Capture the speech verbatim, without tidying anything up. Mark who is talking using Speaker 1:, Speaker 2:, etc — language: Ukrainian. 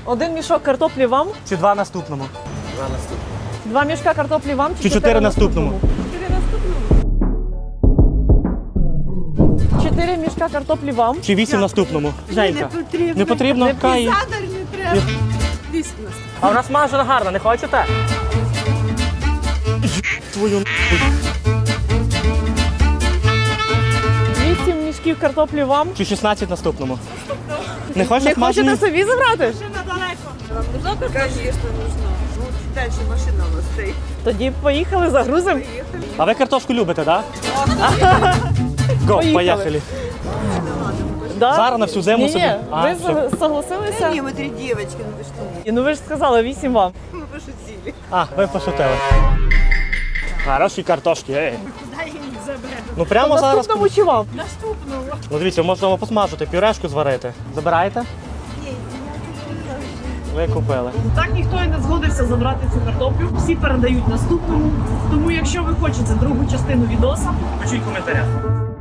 Speaker 1: Один мішок картоплі вам?
Speaker 2: Чи два наступному?
Speaker 3: Два наступні.
Speaker 1: Два мішка картоплі вам?
Speaker 2: Чи чотири наступному?
Speaker 1: Чотири наступному. Чотири мішка картоплі вам?
Speaker 2: Чи вісім наступному? Женька.
Speaker 4: Не потрібно.
Speaker 2: Не потрібно?
Speaker 1: Не
Speaker 2: Кай.
Speaker 4: Задер не треба. Вісім нас.
Speaker 2: А в нас смажена гарна, не хочете? Твою
Speaker 1: Вісім мішків картоплі вам?
Speaker 2: Чи шістнадцять наступному? Не хочете
Speaker 1: Не
Speaker 2: смажені?
Speaker 1: хочете собі забрати?
Speaker 4: Конечно, нужно. Ну, дальше машина у нас стоит.
Speaker 1: Тоді поїхали, загрузимо.
Speaker 2: А ви картошку любите, так? Го,
Speaker 1: Поїхали.
Speaker 2: поїхали.
Speaker 1: Да?
Speaker 2: Зараз на всю зиму
Speaker 1: Ні,
Speaker 2: собі.
Speaker 1: ні,
Speaker 2: А,
Speaker 1: ви
Speaker 2: все.
Speaker 1: за- согласилися?
Speaker 4: Не, мы три девочки, ну вы что?
Speaker 1: І, ну ви ж сказали, вісім вам.
Speaker 4: Мы пошутили.
Speaker 2: А, ви пошутили. Хороші картошки, ей.
Speaker 4: Куда я их заберу?
Speaker 2: Ну прямо зараз.
Speaker 1: Наступному чи вам?
Speaker 4: Наступного.
Speaker 2: Ну дивіться, можна посмажити, пюрешку зварити. Забираєте? Ви купили.
Speaker 1: Так ніхто і не згодився забрати цю картоплю. Всі передають наступному. Тому якщо ви хочете другу частину відоса,
Speaker 2: Пишіть в коментарях.